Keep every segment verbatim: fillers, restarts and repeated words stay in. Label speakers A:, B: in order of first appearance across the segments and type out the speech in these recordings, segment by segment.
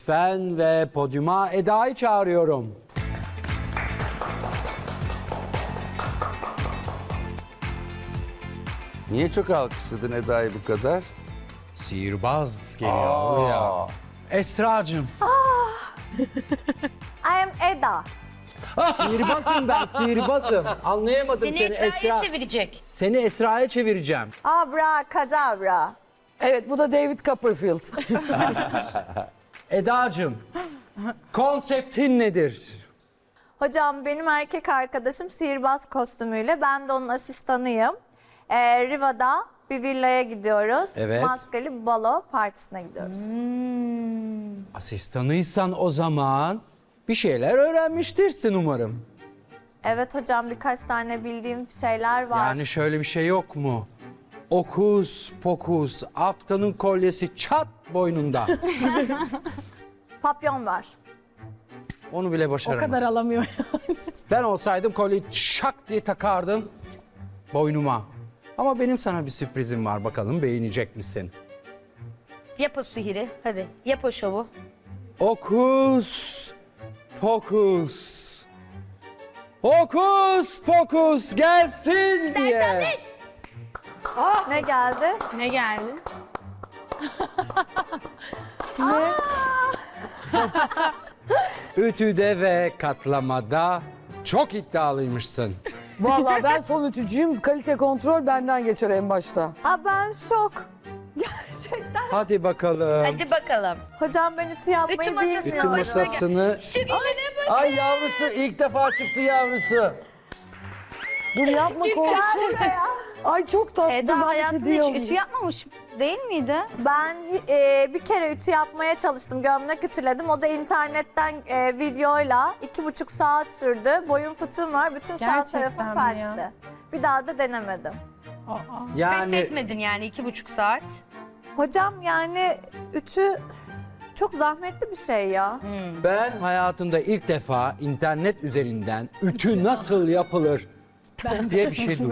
A: lütfen ve podyuma Eda'yı çağırıyorum.
B: Niye çok alkışladın Eda'yı bu kadar?
A: Sihirbaz geliyor ya. Esra'cığım.
C: I am Eda.
A: Sihirbazım ben, sihirbazım. Anlayamadım
D: Seni
A: seni,
D: Esra'ya
A: Esra.
D: çevirecek.
A: Seni Esra'ya çevireceğim.
C: Abracadabra.
E: Evet, bu da David Copperfield.
A: Eda'cığım, konseptin nedir?
C: Hocam benim erkek arkadaşım sihirbaz kostümüyle. Ben de onun asistanıyım. Ee, Riva'da bir villaya gidiyoruz.
A: Evet.
C: Maskeli balo partisine gidiyoruz.
A: Asistanıysan o zaman bir şeyler öğrenmiştirsin umarım.
C: Evet hocam, birkaç tane bildiğim şeyler var.
A: Yani şöyle bir şey yok mu? Okus pokus, aptanın kolyesi çat boynunda.
C: Papyon var.
A: Onu bile
E: O
A: başaramadım.
E: kadar alamıyor.
A: Ben olsaydım kolyeyi şak diye takardım boynuma. Ama benim sana bir sürprizim var, bakalım beğenecek misin?
D: Yap o sihiri. Hadi yap o şovu.
A: Okus pokus. Okus pokus gelsin diye.
C: Ne geldi?
E: Ne geldi?
A: Ütüde ve katlamada çok iddialıymışsın.
E: Vallahi ben son ütücüyüm. Kalite kontrol benden geçer en başta.
C: Aa, ben şok. Gerçekten.
A: Hadi bakalım.
D: Hadi bakalım.
C: Hocam ben ütü yapmayı
D: Ütü masasına
A: Ütü
C: bilmiyorum.
A: masasını
D: Şu geline bak.
B: Ay yavrusu ilk defa çıktı yavrusu.
E: Dur yapma korktum. Ay çok tatlı.
D: Eda
E: ben
D: hayatında
E: hediye
D: hiç
E: alayım.
D: ütü yapmamış değil miydi?
C: Ben e, bir kere ütü yapmaya çalıştım. Gömlek ütüledim. O da internetten e, videoyla iki buçuk saat sürdü. Boyun fıtığım var. Bütün sağ
F: Gerçekten
C: tarafım
F: mi
C: felçti.
F: ya?
C: Bir daha da denemedim.
D: Pes
A: yani
D: etmedin yani iki buçuk saat.
C: Hocam yani ütü çok zahmetli bir şey ya.
A: ben hayatımda ilk defa internet üzerinden ütü nasıl yapılır diye bir şey duydum.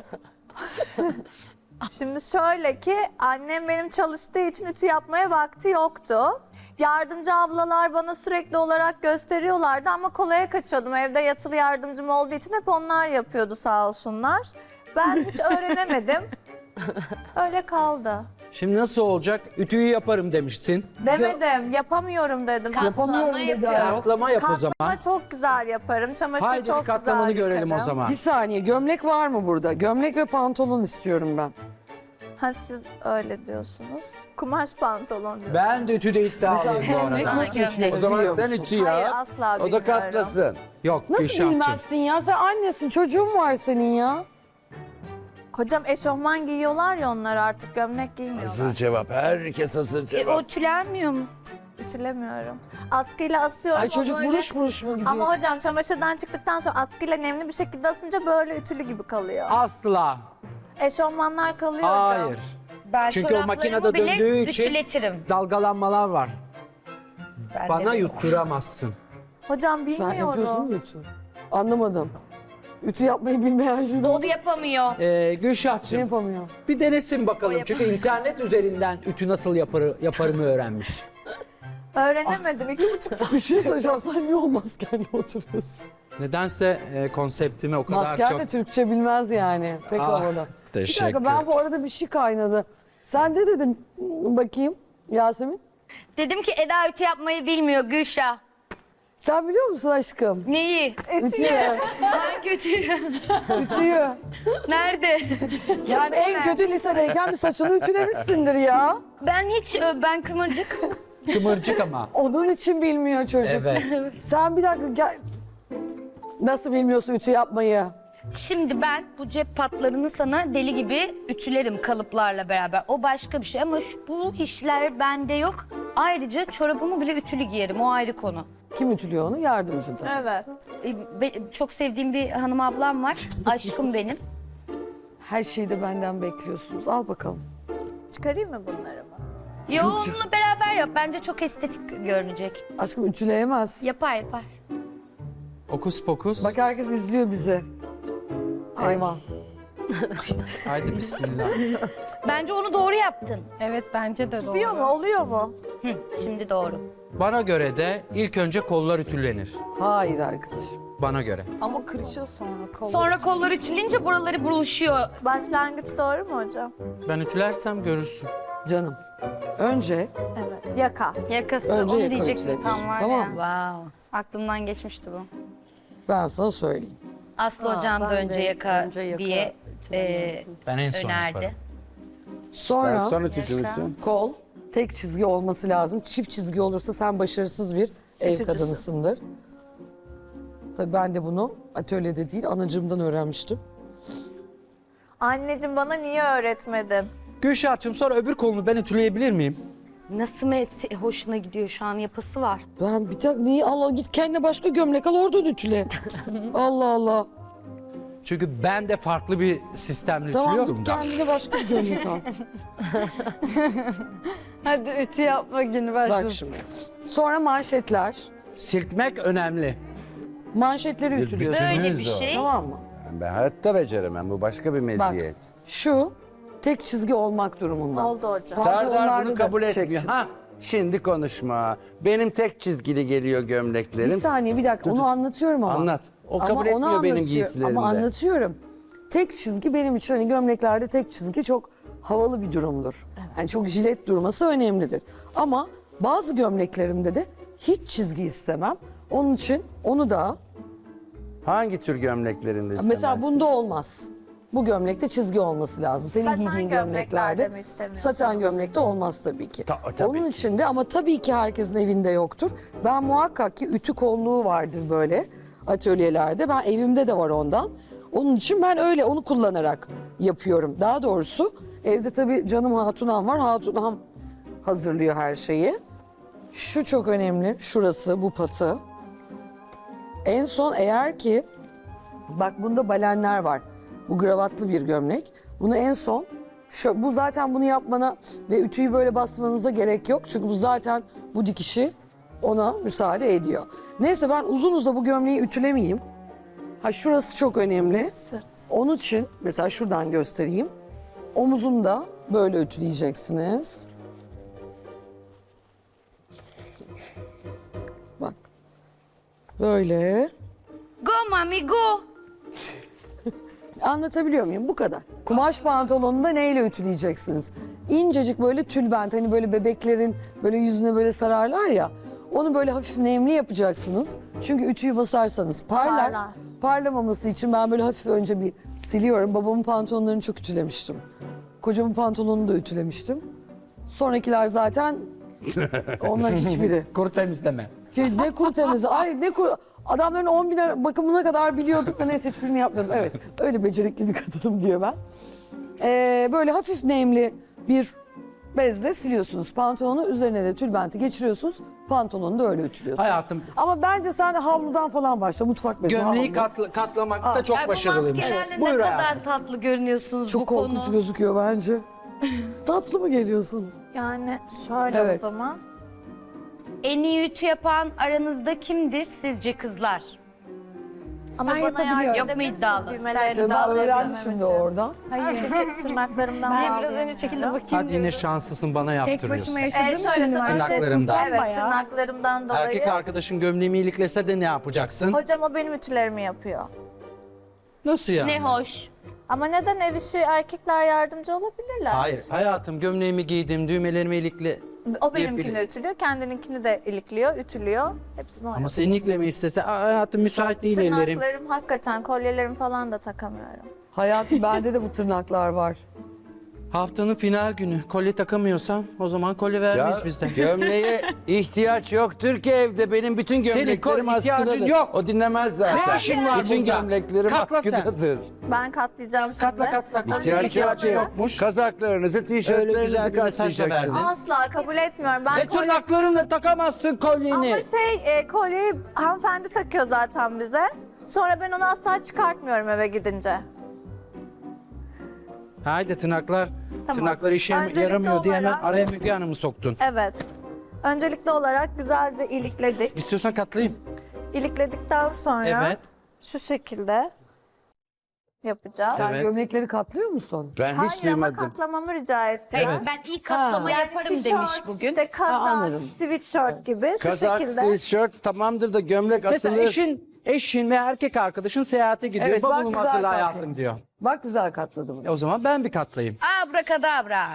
C: Şimdi şöyle ki annem benim çalıştığı için ütü yapmaya vakti yoktu. Yardımcı ablalar bana sürekli olarak gösteriyorlardı ama kolaya kaçıyordum. Evde yatılı yardımcım olduğu için hep onlar yapıyordu sağ olsunlar. Ben hiç öğrenemedim. Öyle kaldı.
A: Şimdi nasıl olacak? Ütüyü yaparım demişsin.
C: Demedim, yapamıyorum dedim.
E: Yapamıyorum dedi.
D: yapıyor.
E: ayol.
A: Katlama yap o zaman.
C: Katlama çok güzel yaparım. Çamaşır
A: Haydi
C: çok
A: bir katlamanı
C: güzel
A: görelim o
C: yıkarım.
A: zaman.
E: Bir saniye, gömlek var mı burada? Gömlek ve pantolon istiyorum ben.
C: Ha siz öyle diyorsunuz. Kumaş pantolon diyorsunuz.
A: Ben de ütüde iddialıyım bu
E: Gömlek
A: arada.
E: nasıl
D: Gömlek.
E: ütülenir
B: O zaman
E: biliyor
B: sen
E: musun?
B: ütü ya.
C: Hayır, asla
B: O da
C: bilmiyorum.
B: katlasın.
A: Yok
E: Nasıl
A: Gülşah'cığım.
E: bilmezsin ya? Sen annesin, çocuğun var senin ya.
C: Hocam eşofman giyiyorlar ya onlar, artık gömlek giymiyorlar.
B: Hazır cevap. Herkes hazır
D: E,
B: cevap.
D: o tülenmiyor mu?
C: Ütülemiyorum. Askıyla asıyorum.
E: Ay
C: o
E: çocuk
C: böyle-
E: buruş buruş mu gidiyor?
C: Ama hocam çamaşırdan çıktıktan sonra askıyla nemli bir şekilde asınca böyle ütülü gibi kalıyor.
A: Asla.
C: Eşofmanlar kalıyor hocam.
A: Hayır.
D: Ben
A: Çünkü o
D: çoraplarımı
A: makinede
D: bile
A: döndüğü için
D: ütületirim.
A: dalgalanmalar var.
D: Ben
A: Bana
D: de-
A: yutturamazsın.
C: Hocam
E: Sen
C: bilmiyorum.
E: yapıyorsun mu ütü? Anlamadım. Ütü yapmayı bilmeyen şurada
D: O da yapamıyor.
A: Ee,
E: ne
A: Gülşah'cığım
E: yapamıyor?
A: bir denesin bakalım.
D: O
A: Çünkü internet üzerinden ütü nasıl yapar, yaparımı öğrenmiş.
C: Öğrenemedim. iki buçuk saat.
E: Bir şey söyleyeceğim, sen niye o maskenle oturuyorsun?
A: Nedense e, konseptimi o kadar
E: Masken
A: çok...
E: de Türkçe bilmez yani. Pek
A: Ah,
E: havada. Bir
A: teşekkür.
E: dakika, ben bu arada bir şey kaynadı. Sen de dedin, bakayım Yasemin.
D: Dedim ki Eda ütü yapmayı bilmiyor Gülşah.
E: Sen biliyor musun aşkım?
D: Neyi?
E: Ütüyü.
D: Hangi ütüyü?
E: Ütüyü.
D: Nerede?
E: Yani en kötü lisedeyken bir saçını ütülemişsindir ya.
D: Ben hiç, ö, ben kıvırcık.
A: Kıvırcık ama.
E: Onun için bilmiyor çocuk.
A: Evet.
E: Sen bir dakika gel. Nasıl bilmiyorsun ütü yapmayı?
D: Şimdi ben bu cep patlarını sana deli gibi ütülerim kalıplarla beraber. O başka bir şey ama şu, bu işler bende yok. Ayrıca çorabımı bile ütülü giyerim, o ayrı konu.
E: Kim ütülüyor onu? Yardımcı da.
C: Evet.
D: E, be- çok sevdiğim bir hanım ablam var. Aşkım benim.
E: Her şeyi de benden bekliyorsunuz. Al bakalım.
C: Çıkarayım mı bunları mı?
D: Yo, onunla beraber yap. Bence çok estetik görünecek.
E: Aşkım ütüleyemez.
D: Yapar yapar.
A: Okus pokus.
E: Bak herkes izliyor bizi. Eyvah.
A: Haydi bismillah.
D: Bence onu doğru yaptın.
F: Evet bence de doğru.
C: Diyor mu? Oluyor mu?
D: Hı, şimdi doğru.
A: Bana göre de ilk önce kollar ütülenir.
E: Hayır arkadaşım.
A: Bana göre.
F: Ama kırışıyor sonra. Kol.
D: Sonra kolları ütüleyince buraları buruşuyor.
C: Başlangıç doğru mu hocam?
A: Ben ütülersem görürsün.
E: Canım. Önce
C: Evet. Yaka.
D: Yakası
E: Önce
D: onu
E: yaka
D: diyecektim
E: ütülenir.
D: tam var
E: Tamam
D: ya.
E: mı?
D: Wow. Aklımdan geçmişti bu.
E: ben sana söyleyeyim.
D: Aslı
F: Ha,
D: hocam da
F: ben
D: önce
F: de
D: yaka
F: önce yaka
D: diye e,
F: ütülemezdim.
A: Ben en son
D: önerdi.
A: yaparım.
E: Sonra
B: Sen son ütücü müsün?
E: kol tek çizgi olması lazım. Çift çizgi olursa sen başarısız bir ev
C: Ütücüsün.
E: kadınısındır. Tabii ben de bunu atölyede değil anacığımdan öğrenmiştim.
C: Anneciğim bana niye öğretmedin?
A: Gülşah'cığım sonra öbür kolunu ben ütüleyebilir miyim?
D: Nasıl mes- hoşuna gidiyor şu an yapısı var.
E: Ben bir tek neyi Allah git kendine başka gömlek al oradan ütüle. Allah Allah.
A: Çünkü ben de farklı bir sistemle
E: Tamam
A: ütülüyorum
E: git
A: da.
E: kendine başka bir gömlek al.
F: Hadi ütü yapma günü başlasın.
E: Bak şimdi. Sonra manşetler.
A: Silkmek önemli.
E: Manşetleri ütülüyorsun.
D: Böyle
B: Bütünüz
D: bir
B: o.
D: şey.
E: Tamam mı?
B: Ben hayatta beceremem. Bu başka bir meziyet.
E: Şu tek çizgi olmak durumunda.
C: Oldu hocam.
E: Bence
B: Serdar
E: onlarda
B: bunu
E: da
B: kabul
E: tek
B: etmiyor.
E: çizgi.
B: Ha, şimdi konuşma. Benim tek çizgili geliyor gömleklerim.
E: Bir saniye bir dakika onu anlatıyorum ama.
B: Anlat. O
E: Ama
B: kabul
E: onu
B: etmiyor benim
E: anlatıyor-
B: giysilerimde.
E: Ama anlatıyorum. Tek çizgi benim için hani gömleklerde tek çizgi çok havalı bir durumdur. Yani çok jilet durması önemlidir. Ama bazı gömleklerimde de hiç çizgi istemem. Onun için onu da
B: Hangi tür gömleklerinde
E: mesela
B: istemezsin?
E: bunda olmaz. Bu gömlekte çizgi olması lazım. Senin
C: Saten
E: giydiğin
C: gömleklerde
E: gömleklerde
C: mi istemiyorsunuz?
E: saten gömlekte olmaz tabii ki.
B: Ta- tabii
E: Onun
B: ki.
E: için de ama tabii ki herkesin evinde yoktur. Ben muhakkak ki ütü kolluğu vardır böyle atölyelerde. Ben evimde de var ondan. Onun için ben öyle onu kullanarak yapıyorum. Daha doğrusu evde tabii canım hatunam var. Hatunam hazırlıyor her şeyi. Şu çok önemli. Şurası bu patı. En son eğer ki bak bunda balenler var. Bu gravatlı bir gömlek. Bunu en son şu, bu zaten bunu yapmana ve ütüyü böyle bastırmanıza gerek yok. Çünkü bu zaten bu dikişi ona müsaade ediyor. Neyse ben uzun uza bu gömleği ütülemeyeyim. Ha şurası çok önemli.
C: Sırt.
E: Onun için mesela şuradan göstereyim. Omuzunu da böyle ütüleyeceksiniz. Bak. Böyle.
D: Go mami go.
E: Anlatabiliyor muyum? Bu kadar. Kumaş pantolonunu da neyle ütüleyeceksiniz? İncecik böyle tülbent hani böyle bebeklerin böyle yüzüne böyle sararlar ya. Onu böyle hafif nemli yapacaksınız. Çünkü ütüyü basarsanız parlar.
C: Parlar.
E: Parlamaması için ben böyle hafif önce bir siliyorum. Babamın pantolonlarını çok ütülemiştim. Kocamın pantolonunu da ütülemiştim. Sonrakiler zaten onlar hiçbiri.
A: Kuru temizleme.
E: Ki ne kuru temizliği. Ay ne kuru. Adamların on bin lira bakımına kadar biliyorduk da neyse hiçbirini yapmadım. Evet öyle becerikli bir kadınım diyor ben. Ee, böyle hafif nemli bir bezle siliyorsunuz pantolonu. Üzerine de tülbenti geçiriyorsunuz. Pantolonu da öyle ütülüyorsunuz.
A: Hayatım.
E: Ama bence sen havludan falan başla. Mutfak bezi.
A: Gömleği
E: havlu.
A: katla- katlamakta çok
D: Ay, bu
A: başarılıymış.
D: maskelerle
A: Buyur
D: ne
A: hayatım.
D: kadar tatlı görünüyorsunuz
E: Çok
D: bu
E: korkunç
D: konu.
E: gözüküyor bence. Tatlı mı geliyor sana?
C: Yani şöyle
E: Evet.
C: o zaman.
D: En iyi ütü yapan aranızda kimdir sizce kızlar?
C: Ama
E: Ben
C: bana
E: yapabiliyorum.
C: yardım
D: Yok mu
C: eder
D: iddialı?
C: misin? Düğmelerini
E: Tabii ben
C: bağlayamam
E: öğrendim şimdi
C: için.
E: oradan.
C: Hayır. Çünkü tırnaklarımdan
F: Niye biraz
C: bağlayamıyorum.
F: önce çekildi bakayım
A: Hadi yine
F: diyorum.
A: şanslısın bana
F: Tek
A: yaptırıyorsun.
F: başıma
C: Ee,
F: yaşadığım
C: şöyle
F: için
C: söyleyeyim.
F: üniversite
A: Tırnaklarımdan.
C: Evet
F: bayağı.
C: tırnaklarımdan dolayı.
A: Erkek arkadaşın gömleğimi iliklese de ne yapacaksın?
C: Hocam o benim ütülerimi yapıyor.
A: Nasıl yani?
D: Ne hoş.
C: Ama neden ev işi erkekler yardımcı olabilirler?
A: Hayır hayatım gömleğimi giydim, düğmelerimi ilikle.
C: O benimkini
A: Yapabilir.
C: ütülüyor, kendininkini de ilikliyor, ütülüyor. Hepsini o
A: Ama
C: yapıyor.
A: senin iliklemeyi istese "Aa, hayatım müsait değil ellerim.
C: Tırnaklarım hakikaten, kolyelerim falan da takamıyorum.
E: Hayatım bende de bu tırnaklar var.
A: Haftanın final günü kolye takamıyorsam o zaman kolye vermeyiz
B: Ya,
A: biz de.
B: gömleğe ihtiyaç yoktur ki evde. Benim bütün
A: Senin
B: gömleklerim
A: kol ihtiyacın
B: askıdadır.
A: yok.
B: O dinlemez zaten.
A: Ne işin var
B: bütün
A: burada?
B: gömleklerim
A: Katla sen.
B: askıdadır.
C: Ben katlayacağım şimdi.
A: Katla katla. katla.
B: İhtiyaç
A: İhtiyacı
B: yok.
A: yokmuş.
B: Kazaklarınızı,
A: Öyle
B: tişörtlerinizi
A: güzel bir mesaj da
B: katlayacaksınız.
A: verdin.
C: Asla kabul etmiyorum. Ben
A: E
C: kolye...
A: tırnaklarınla takamazsın kolyeni.
C: Ama şey, e, kolyeyi hanımefendi takıyor zaten bize. Sonra ben onu asla çıkartmıyorum eve gidince.
A: Haydi tırnaklar.
C: Tamam.
A: Tırnaklar işe
C: Öncelikli
A: yaramıyor diye hemen
C: olarak-
A: araya Müge Hanım'ı soktun.
C: Evet. Öncelikli olarak güzelce ilikledik.
A: İstiyorsan katlayayım.
C: İlikledikten sonra
A: Evet.
C: şu şekilde yapacağız.
E: Sen
A: Evet.
E: gömlekleri katlıyor musun?
B: Ben hiç
C: Hayır ama
B: duymadım.
C: katlamamı rica etti.
D: Evet. Ben ilk katlama
C: Yani
D: yaparım
C: tişört,
D: demiş bugün.
C: İşte
E: Ha,
C: kazak,
E: anladım.
C: sweatshirt gibi şu
B: Kazak,
C: şekilde.
B: sweatshirt tamamdır da gömlek
A: Mesela
B: asılır.
A: eşin, eşin ve erkek arkadaşın seyahate gidiyor.
E: Evet, bak
A: Bavulumu
E: güzel
A: hazırla
E: kalktı.
A: hayatım diyor.
E: Bak güzel katladı bunu.
A: E o zaman ben bir katlayayım.
D: Abrakadabra.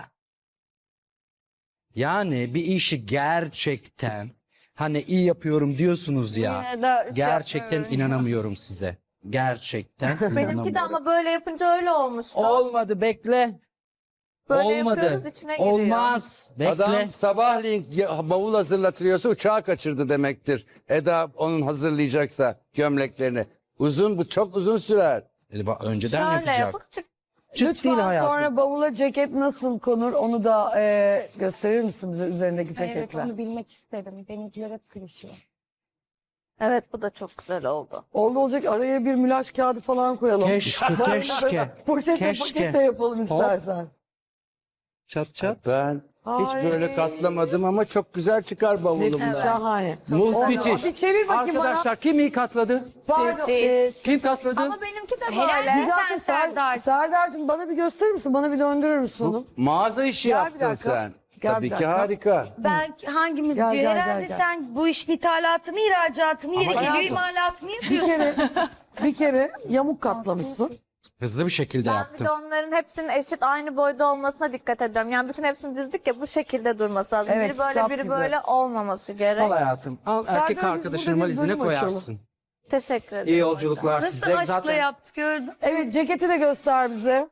A: Yani bir işi gerçekten hani iyi yapıyorum diyorsunuz ya.
F: Yine de ütü
A: Gerçekten
F: yapmıyorum.
A: inanamıyorum size. Gerçekten
C: Benimki de
A: inanamıyorum.
C: ama böyle yapınca öyle olmuştu.
A: Olmadı bekle.
C: Böyle
A: Olmadı.
C: yapıyoruz, içine giriyor.
A: Olmaz. Bekle.
B: Adam sabahleyin ya- bavul hazırlatıyorsa uçağı kaçırdı demektir. Eda onun hazırlayacaksa gömleklerini. Uzun bu çok uzun sürer.
A: E, bak, önceden
C: Şöyle
A: yapacak.
C: yapıp çık.
A: Çıt
E: Lütfen
A: değil hayatım.
E: sonra bavula ceket nasıl konur onu da e, gösterir misin bize üzerindeki
F: Evet
E: ceketler?
F: onu bilmek isterim. Benimkiler hep kırışıyor.
C: Evet bu da çok güzel oldu.
E: Oldu olacak araya bir mülaş kağıdı falan koyalım.
A: Keşke, keşke.
E: Poşete
A: Keşke.
E: pakete yapalım istersen.
A: Çat çat.
B: Ben hiç
E: Ay.
B: böyle katlamadım ama çok güzel çıkar bavulumdan.
E: Nefis şahane.
B: Muht müthiş.
E: Bir çevir bakayım
A: Arkadaşlar kim iyi katladı?
E: bana. Siz.
A: Kim katladı?
C: Ama benimki de
D: Helal
C: böyle.
E: Bir dakika
D: Sen
E: Ser,
D: Serdar.
E: Serdar'cığım bana bir gösterir misin? Bana bir döndürür müsün onu?
B: Mağaza işi
E: Gel bir
B: yaptın
E: dakika.
B: sen.
E: Gel
B: Tabii
E: bir
B: ki
E: dakika.
B: harika.
D: Ben hangimiz
E: Gel,
D: diyor?
E: gel, gel,
D: Herhalde
E: gel.
D: sen bu işin ithalatını, ihracatını, yeri geliyor
E: hayatım,
D: imalatını
E: Bir
D: yapıyorsun.
E: kere bir kere yamuk katlamışsın.
A: Hızlı bir şekilde
C: Ben bir
A: yaptım.
C: de onların hepsinin eşit aynı boyda olmasına dikkat ediyorum. Yani bütün hepsini dizdik ya bu şekilde durması lazım.
E: Evet,
C: biri böyle
E: kitap
C: biri
E: gibi.
C: böyle olmaması gerek.
A: Al hayatım. Al
E: Serdar,
A: erkek
E: biz
A: arkadaşının
E: burada bir
A: valizine
E: bölüm açalım.
A: koyarsın.
C: Teşekkür ederim.
A: İyi
C: hocam.
A: yolculuklar
D: Nasıl
A: size.
D: aşkla
A: Zaten
D: yaptık gördün.
E: Evet ceketi de göster bize.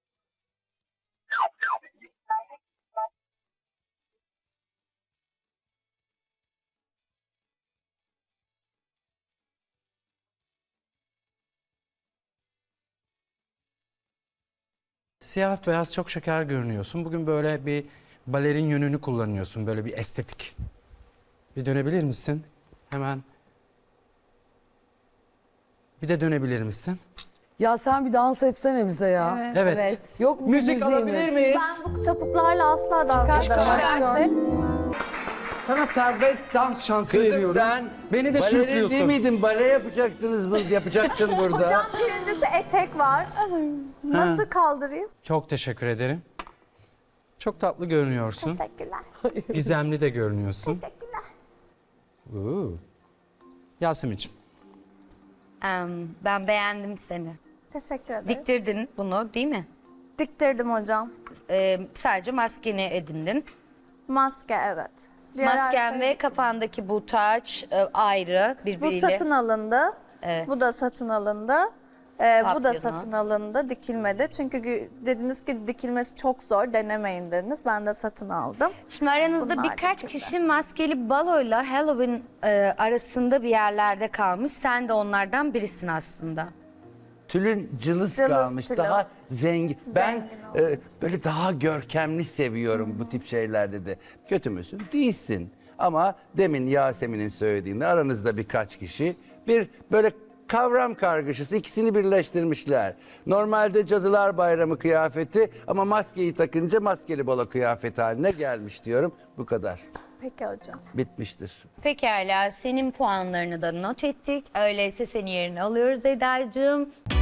A: siyah beyaz çok şeker görünüyorsun. Bugün böyle bir balerin yönünü kullanıyorsun. Böyle bir estetik. Bir dönebilir misin? Hemen. Bir de dönebilir misin?
E: Ya sen bir dans etsene bize ya.
A: Evet.
E: Yok mu
A: Müzik
E: müziğimiz?
A: alabilir miyiz?
C: Ben bu topuklarla asla dans
E: Çıkar,
C: edemem.
E: çıkar.
A: Sana serbest dans şansı
B: Kızım
A: veriyorum.
B: sen
A: Beni de
B: balerin değil
A: sürüklüyorsun.
B: miydin? Bale yapacaktınız bu, yapacaktın burada.
C: Hocam birincisi etek var. Nasıl kaldırayım?
A: Çok teşekkür ederim. Çok tatlı görünüyorsun.
C: Teşekkürler.
A: Gizemli de görünüyorsun.
C: Teşekkürler.
A: Oo. Yasemin'ciğim.
D: Em, ben beğendim seni.
C: Teşekkür ederim.
D: Diktirdin bunu değil mi?
C: Diktirdim hocam.
D: Ee, sadece maskeni edindin.
C: Maske evet. Diğer her
D: Masken
C: şey-
D: ve kafandaki bu taç e, ayrı
C: Bu
D: birbiriyle.
C: satın alındı.
D: Evet.
C: Bu da satın alındı. Ee, bu da
D: Papyonu.
C: satın alındı, dikilmedi. Çünkü gü- dediniz ki dikilmesi çok zor, denemeyin dediniz. Ben de satın aldım.
D: Şimdi aranızda
C: Bunlar
D: birkaç
C: dikildi.
D: kişi maskeli baloyla Halloween e, arasında bir yerlerde kalmış. Sen de onlardan birisin aslında.
B: Tülün cılız,
C: Cılız
B: kalmış.
C: tülü.
B: Daha zengin. Ben
C: Zengin
B: e, böyle daha görkemli seviyorum bu tip şeylerde de. Kötü müsün? Değilsin. Ama demin Yasemin'in söylediğinde aranızda birkaç kişi bir böyle kavram kargaşası ikisini birleştirmişler. Normalde Cadılar Bayramı kıyafeti ama maskeyi takınca maskeli balo kıyafeti haline gelmiş diyorum. Bu kadar.
C: Peki hocam.
B: Bitmiştir.
D: Pekala, senin puanlarını da not ettik. Öyleyse seni yerine alıyoruz Eda'cığım.